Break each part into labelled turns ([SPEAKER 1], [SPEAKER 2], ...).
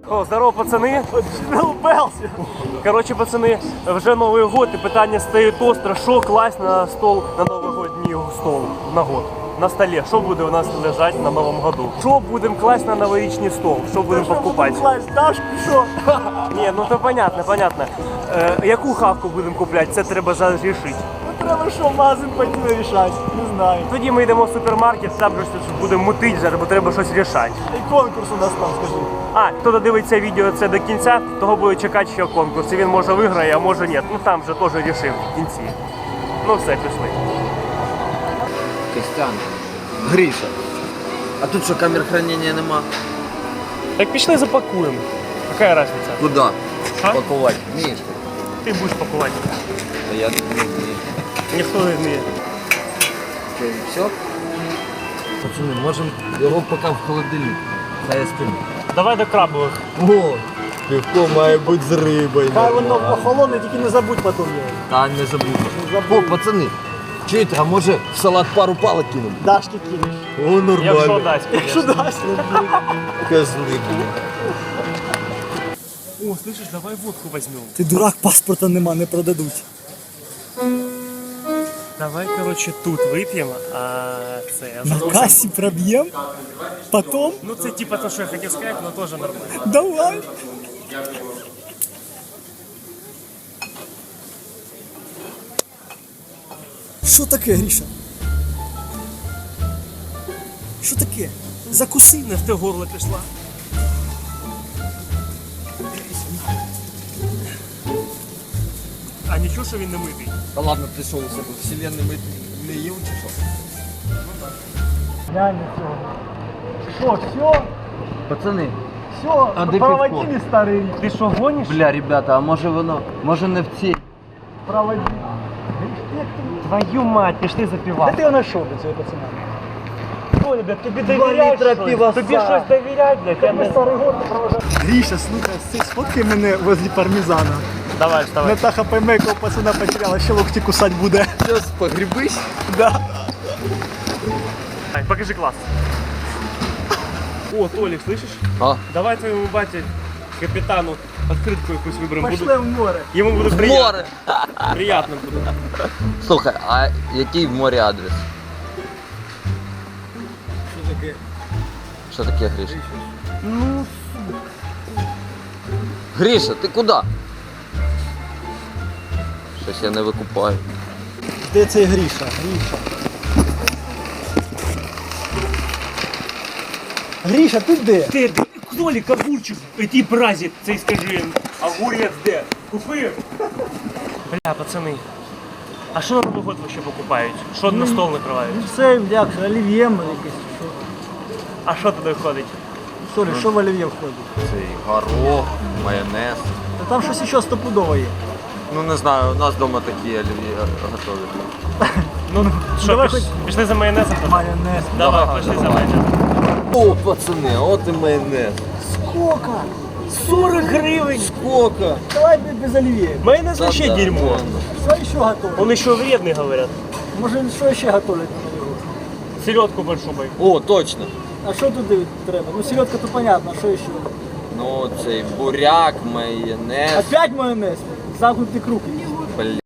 [SPEAKER 1] О, здорово, пацани. Коротше, пацани, вже Новий год і питання стоїть остро, що класть на стол на новогодній стол на год. На столі, що буде у нас лежати на Новому году? Що будемо класть на новорічний стол? Що будемо покупати?
[SPEAKER 2] Дашку, що?
[SPEAKER 1] Ні, ну то понятно. Яку хавку будемо купляти, це треба зараз рішити.
[SPEAKER 2] Ну треба що, в магазин пойти вирішати, не знаю.
[SPEAKER 1] Тоді ми йдемо в супермаркет, там же будемо мутити зараз, бо треба щось рішати.
[SPEAKER 2] І конкурс у нас там, скажи.
[SPEAKER 1] А, хто додивиться відео це до кінця, того буде чекати ще конкурс. І він може виграє, а може ні. Ну там же теж рішив в кінці. Ну все, пішли.
[SPEAKER 3] Костян, Гриша, а тут що, камер хранення нема?
[SPEAKER 1] Так пішли запакуємо. Яка різниця?
[SPEAKER 3] Куди?
[SPEAKER 1] А?
[SPEAKER 3] Пакувати вмієш?
[SPEAKER 1] Ти будеш пакувати.
[SPEAKER 3] Та я не вмію.
[SPEAKER 1] Ніхто не вміє.
[SPEAKER 3] Що, і все? Пацани, можемо його поки в холодильник. Хай я спину.
[SPEAKER 1] Давай до крабових.
[SPEAKER 3] О, пивко має бути з рибою.
[SPEAKER 2] Хай воно охолоне, тільки не забудь потім його.
[SPEAKER 3] Та не забудь. О, пацани, чуєте, а може в салат пару палок кинемо?
[SPEAKER 2] Дашки кинеш.
[SPEAKER 3] О, нормально.
[SPEAKER 1] Якщо дасть,
[SPEAKER 2] Якщо
[SPEAKER 1] конечно.
[SPEAKER 2] дасть.
[SPEAKER 3] Козли, блін.
[SPEAKER 1] О, слышиш, давай водку візьмемо.
[SPEAKER 2] Ти дурак, паспорта нема, не продадуть.
[SPEAKER 1] Давай, коротше, тут вип'ємо, а це...
[SPEAKER 2] На касі проб'єм, потом
[SPEAKER 1] Ну це типа то, що я хотів сказати, але теж нормально.
[SPEAKER 2] давай. Що таке, Гріша? Що таке? Закуси.
[SPEAKER 1] Не в те горло пішла. А нічого, що він не митий?
[SPEAKER 3] Та ладно, ти що у себе вселенний не їв чи що?
[SPEAKER 2] Глянь на цього. Що, все?
[SPEAKER 3] Пацани,
[SPEAKER 2] Все,
[SPEAKER 3] А де
[SPEAKER 2] проводи
[SPEAKER 3] пивко?
[SPEAKER 2] не старий.
[SPEAKER 1] Ти що, гониш?
[SPEAKER 3] бля, ребята, а може не в цій?
[SPEAKER 2] Проводи.
[SPEAKER 1] Твою мать, пішли
[SPEAKER 2] Де
[SPEAKER 1] запівати.
[SPEAKER 2] ти його знайшов до цього пацана?
[SPEAKER 1] Що, ребят, тобі
[SPEAKER 2] Два
[SPEAKER 1] довіряють
[SPEAKER 2] літра
[SPEAKER 1] щось?
[SPEAKER 2] пивоса.
[SPEAKER 1] Тобі щось довіряють, блядь? Я не...
[SPEAKER 2] Старий год не провожав. Гріша, слухай, сфоткай мене возле пармезана.
[SPEAKER 1] Давай, вставай.
[SPEAKER 2] Натаха пойме, якого пацана потеряла, ще локті кусать буде.
[SPEAKER 3] Зараз погрібись?
[SPEAKER 2] Да.
[SPEAKER 1] Покажи класс. О, Толик, слышишь?
[SPEAKER 3] А?
[SPEAKER 1] Давай твоему бате, капитану, открытку якусь выберем.
[SPEAKER 2] Пошли в море.
[SPEAKER 1] Ему буде
[SPEAKER 3] В
[SPEAKER 1] приятно.
[SPEAKER 3] море!
[SPEAKER 1] Приятно буде.
[SPEAKER 3] Слухай, а який в морі адрес?
[SPEAKER 2] Що таке?
[SPEAKER 3] Що таке, Гриша? Гриша, ти куди? Щось я не викупаю.
[SPEAKER 2] Де цей Гріша? Гріша. Гріша, ти де?
[SPEAKER 1] Ти, Толик, огурчик, ті бразі, цей скажи, огурець де? Купив? Бля, пацани, а що на Новий год вообще покупають? Що на стол накривають?
[SPEAKER 2] Це, як, олів'є якесь.
[SPEAKER 1] А що туди входить?
[SPEAKER 2] Сорі, що в олів'є входить?
[SPEAKER 3] Цей горох, майонез.
[SPEAKER 2] Та там щось ще стопудово є.
[SPEAKER 3] Ну не знаю, у нас вдома такі олів'є готові.
[SPEAKER 1] Ну, що,
[SPEAKER 2] давай
[SPEAKER 1] пішли за майонезом?
[SPEAKER 2] Майонез.
[SPEAKER 1] Давай, пішли за майонезом.
[SPEAKER 3] О, пацани, от і майонез.
[SPEAKER 2] Сколько?
[SPEAKER 1] 40 гривень!
[SPEAKER 3] Сколько?
[SPEAKER 2] Давай без олів'є.
[SPEAKER 1] Майонез вообще
[SPEAKER 3] Да,
[SPEAKER 1] дерьмо.
[SPEAKER 2] Що ще готовить?
[SPEAKER 1] Он еще вредный, говорят.
[SPEAKER 2] Може, що ще готовлять?
[SPEAKER 1] Селедку большую бой.
[SPEAKER 3] О, точно.
[SPEAKER 2] А що туди треба? Ну, селедка то понятно, а що ще?
[SPEAKER 3] Ну, цей буряк, майонез.
[SPEAKER 2] Опять майонез? Замкнутий круг.
[SPEAKER 3] Бля.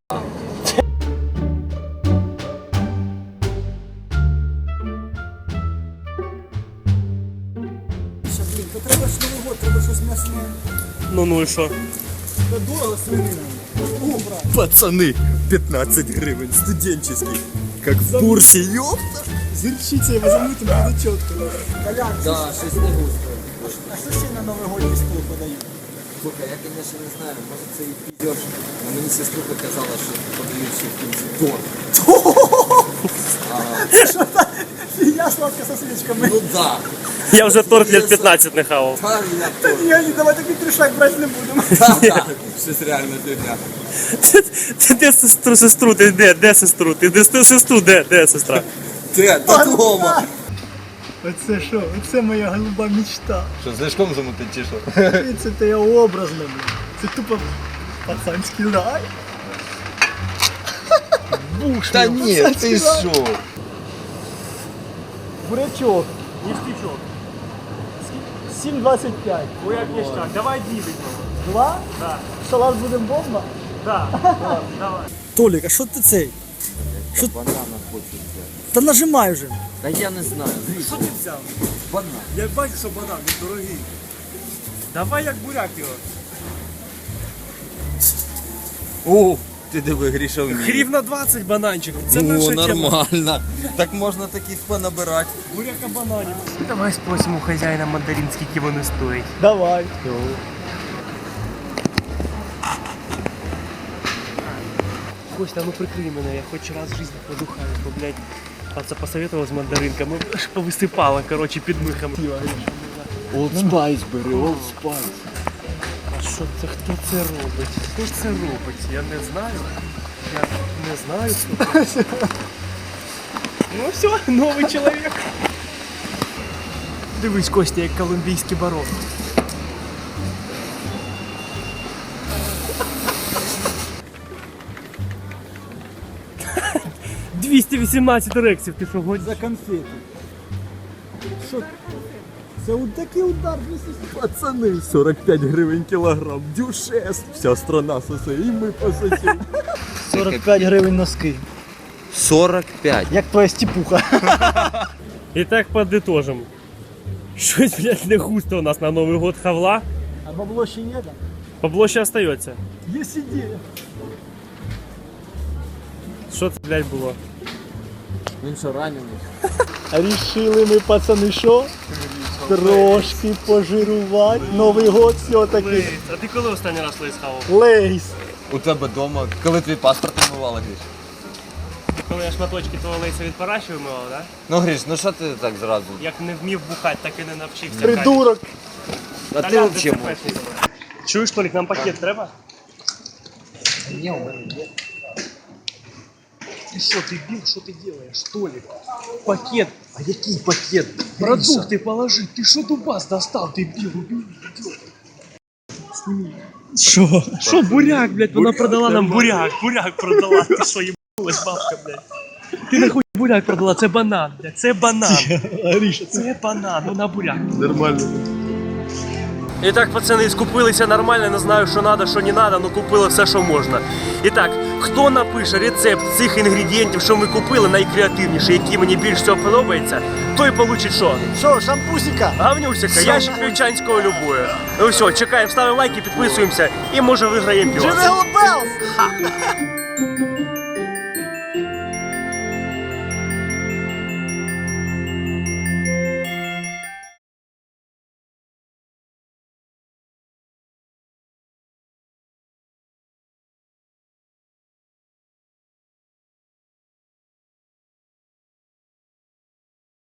[SPEAKER 2] Блін, то треба ж Новий год, треба щось м'ясне.
[SPEAKER 1] Ну и что?
[SPEAKER 2] Та дорого свинина. О, брат.
[SPEAKER 4] Пацаны, 15 гривен, студенческий. Как в бурсе, ёпта.
[SPEAKER 2] З гірчицею замити буде чітко. Колян,
[SPEAKER 3] Да, щось не густо.
[SPEAKER 2] а що ще на Новий год стіл подають?
[SPEAKER 3] Слухай, я, конечно, не знаю, може це і підеш. Но мені сеструха казала, що подають ще в кінці торт.
[SPEAKER 2] Я сладка со свічками.
[SPEAKER 3] Ну да.
[SPEAKER 1] Я уже торт лет 15 не хавал.
[SPEAKER 3] Та я торт.
[SPEAKER 2] Ні, давай такий трішак брати не будемо.
[SPEAKER 3] Да, щось реально фігня.
[SPEAKER 1] Ти де сестру, ти де сестру? Ти де сестру, де сестра?
[SPEAKER 3] Ти, додому.
[SPEAKER 2] Оце що? Оце моя голуба мечта.
[SPEAKER 4] Що, знижком замутить чи що?
[SPEAKER 2] Це те я образно, блін. Це тупо пацанський рай. Буш,
[SPEAKER 4] Та ні, ти що?
[SPEAKER 2] бурячок.
[SPEAKER 1] Ништячок.
[SPEAKER 2] 7,25.
[SPEAKER 1] Буряк ніштяк. Давай 2 візьмемо.
[SPEAKER 2] 2?
[SPEAKER 1] Да.
[SPEAKER 2] Салат будемо бомба?
[SPEAKER 1] Да. Давай.
[SPEAKER 2] Толік, а що ти цей? Що?
[SPEAKER 3] Банана хочу взяти.
[SPEAKER 2] Та нажимай вже.
[SPEAKER 3] Та я не знаю.
[SPEAKER 1] Що ти взяв?
[SPEAKER 3] Банан.
[SPEAKER 1] Я бачу, що банан, він дорогий. Давай як буряк його.
[SPEAKER 4] О, ти диви, Гріша вміє.
[SPEAKER 1] Гривна 20 бананчик. Це
[SPEAKER 4] О,
[SPEAKER 1] наша тема.
[SPEAKER 4] нормально. Так можна таких понабирати.
[SPEAKER 1] Буряка бананів. Давай спросимо у хазяїна мандарин, скільки вони стоять.
[SPEAKER 2] Давай.
[SPEAKER 1] Костя, ну прикрий мене, я хоч раз в житті подухаю, бо, блядь, отца посоветував з мандаринками, аж повисипало, короче, під михом.
[SPEAKER 3] Old Spice бери, Old Spice.
[SPEAKER 1] А що це, хто це робить? Хто ж це робить? Я не знаю. Я не знаю, хто це. Ну все, новий чоловік. Дивись, Костя, як колумбійський барон. — 218 рексів, ти що годь?
[SPEAKER 2] За конфети. Що? Це такий удар 200.
[SPEAKER 4] Пацани, 45 гривень кілограм. Дюшес. Вся страна сосе, і ми пососемо.
[SPEAKER 2] 45 гривень носки.
[SPEAKER 3] 45.
[SPEAKER 2] Як твоя стіпуха.
[SPEAKER 1] І так подытожим. Щось, блядь, не густо у нас на Новий год хавла.
[SPEAKER 2] А бабло ще є там?
[SPEAKER 1] Бабло ще остається.
[SPEAKER 2] Є ідея.
[SPEAKER 1] Що це, блядь, було?
[SPEAKER 3] Він що ранений?
[SPEAKER 2] Рішили ми, пацани, що? Трошки пожирувати. Новий год все-таки.
[SPEAKER 1] А ти коли останній раз лейс хавав?
[SPEAKER 2] Лейс.
[SPEAKER 4] У тебе вдома, коли твій паспорт вимивала, Гріш?
[SPEAKER 1] Коли я шматочки того лейса від параші вимивав, да?
[SPEAKER 4] Ну, Гріш, ну що ти так зразу?
[SPEAKER 1] Як не вмів бухати, так і не навчився.
[SPEAKER 2] Придурок.
[SPEAKER 3] А ти взагалі можеш.
[SPEAKER 1] Чуєш, Толік, нам пакет треба?
[SPEAKER 3] Ні, у мене є.
[SPEAKER 1] Ты что, ты бил, что ты делаешь, Толик? Пакет. А який пакет? Продукты положи. Ты что дубас достал, ты бил, убил, идиот. Сними. Что, буряк, блядь, вона продала нам буряк. Буряк продала. Ты что, ебалась, бабка, блядь? Ти нахуй буряк продала, це банан, блядь, це банан. Це банан, вона буряк.
[SPEAKER 4] Нормально.
[SPEAKER 1] І так, пацани, скупилися нормально, не знаю, що треба, що не треба, але купили все, що можна. І так, хто напише рецепт цих інгредієнтів, що ми купили, найкреативніший, який мені більш всього подобається, той получить що?
[SPEAKER 2] Що, шампусика?
[SPEAKER 1] Гавнюсика, ящик вівчанського любую. Ну все, чекаємо, ставимо лайки, підписуємося і може виграємо піва.
[SPEAKER 2] Jingle bells!